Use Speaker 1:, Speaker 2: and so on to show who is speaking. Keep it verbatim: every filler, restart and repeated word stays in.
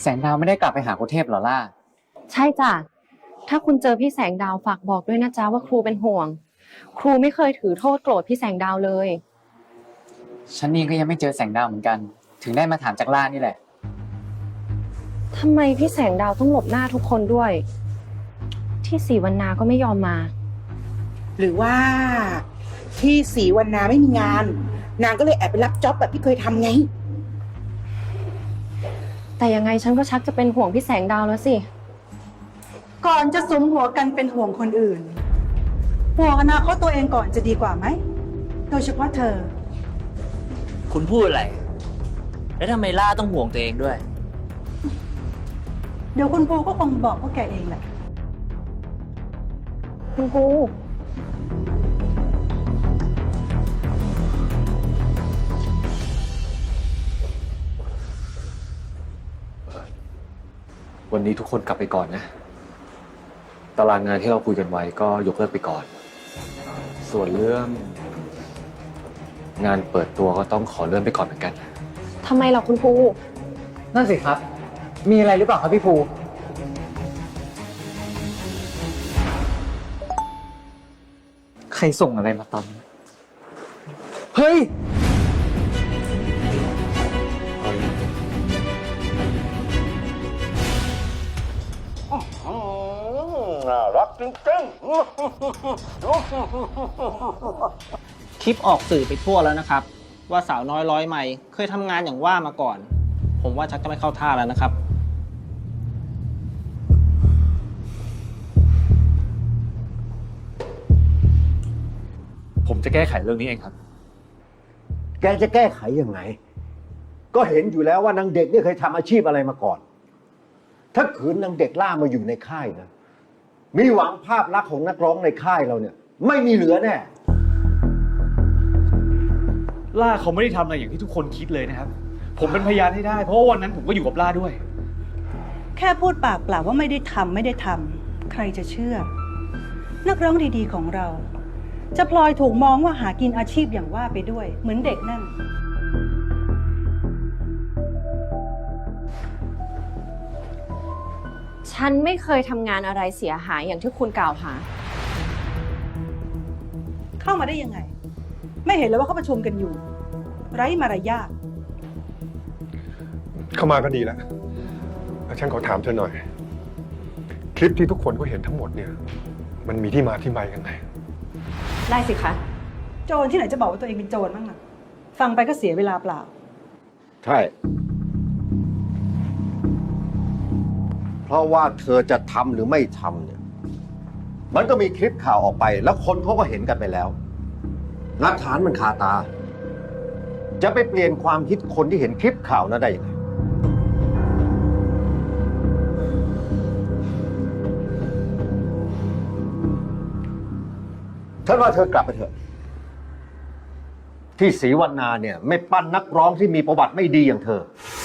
Speaker 1: แสงดาวไม่ได้กลับไปหาครูเทพหรอล่ะ
Speaker 2: ใช่จ้ะถ้าคุณเจอพี่แสงดาวฝากบอกด้วยนะจ๊ะว่าครูเป็นห่วงครูไม่เคยถือโทษโกรธพี่แสงดาวเลย
Speaker 1: ฉันนี่ก็ยังไม่เจอแสงดาวเหมือนกันถึงได้มาถามจากล่านี่แหละ
Speaker 2: ทำไมพี่แสงดาวต้องหลบหน้าทุกคนด้วยที่ศรีวรรณาก็ไม่ยอมมา
Speaker 3: หรือว่าที่ศรีวรรณาไม่มีงานนางก็เลยแอบไปรับจ็อบแบบที่เคยทำไง
Speaker 2: แต่ยังไงฉันก็ชักจะเป็นห่วงพี่แสงดาวแล้วสิ
Speaker 4: ก่อนจะสุมหัวกันเป็นห่วงคนอื่นห่วงอนาคตตัวเองก่อนจะดีกว่าไหมโดยเฉพาะเธอ
Speaker 5: คุณพูดอะไรแล้วทำไมล่าต้องห่วงตัวเองด้วย
Speaker 4: เดี๋ยวคุณปูก็คงบอกพวกแกเองแหละ
Speaker 2: คุณครู
Speaker 6: วันนี้ทุกคนกลับไปก่อนนะตารางงานที่เราคุยกันไว้ก็ยกเลิกไปก่อน ส่วนเรื่องงานเปิดตัวก็ต้องขอเลื่อนไปก่อนเหมือนกัน
Speaker 2: ทำไมล่ะคุณครู
Speaker 1: นั่นสิครับมีอะไรหรือเปล่าครับพี่ภูใครส่งอะไรมาตอนนี้เฮ้ย
Speaker 7: น่ารักจริง
Speaker 5: คลิปออกสื่อไปทั่วแล้วนะครับว่าสาวน้อยร้อยไมล์เคยทำงานอย่างว่ามาก่อนผมว่าชักจะไม่เข้าท่าแล้วนะครับ
Speaker 6: ผมจะแก้ไขเรื่องนี้เองครับ
Speaker 7: แกจะแก้ไขยังไงก็เห็นอยู่แล้วว่านางเด็กนี่เคยทำอาชีพอะไรมาก่อนถ้าขืนนางเด็กล่ามาอยู่ในค่ายนะมีหวังภาพลักษณ์ของนักร้องในค่ายเราเนี่ยไม่มีเหลือแน่
Speaker 6: ล่าเขาไม่ได้ทำอะไรอย่างที่ทุกคนคิดเลยนะครับผมเป็นพยานให้ได้เพราะว่าวันนั้นผมก็อยู่กับล่าด้วย
Speaker 4: แค่พูดปากเปล่าว่าไม่ได้ทำไม่ได้ทำใครจะเชื่อนักร้องดีๆของเราจะพลอยถูกมองว่าหากินอาชีพอย่างว่าไปด้วยเหมือนเด็กนั่น
Speaker 2: ฉันไม่เคยทำงานอะไรเสียหายอย่างที่คุณกล่าวหา
Speaker 4: เข้ามาได้ยังไงไม่เห็นเลยว่าเขาประชุมกันอยู่ไร้มารยาท
Speaker 8: เข้ามาก็ดีแล้วฉันขอถามเธอหน่อย คลิปที่ทุกคนก็เห็นทั้งหมดเนี่ยมันมีที่มาที่ไปยังไง
Speaker 2: ได้สิคะ
Speaker 4: โจรที่ไหนจะบอกว่าตัวเองเป็นโจรบ้างล่ะฟังไปก็เสียเวลาเปล่า
Speaker 7: ใช่เพราะว่าเธอจะทำหรือไม่ทำเนี่ยมันก็มีคลิปข่าวออกไปแล้วคนเขาก็เห็นกันไปแล้วหลักฐานมันคาตาจะไปเปลี่ยนความคิดคนที่เห็นคลิปข่าวนั้นได้ยังไงฉันว่าเธอกลับไปเถอะที่ศรีวรรณาเนี่ยไม่ปั้นนักร้องที่มีประวัติไม่ดีอย่างเธอ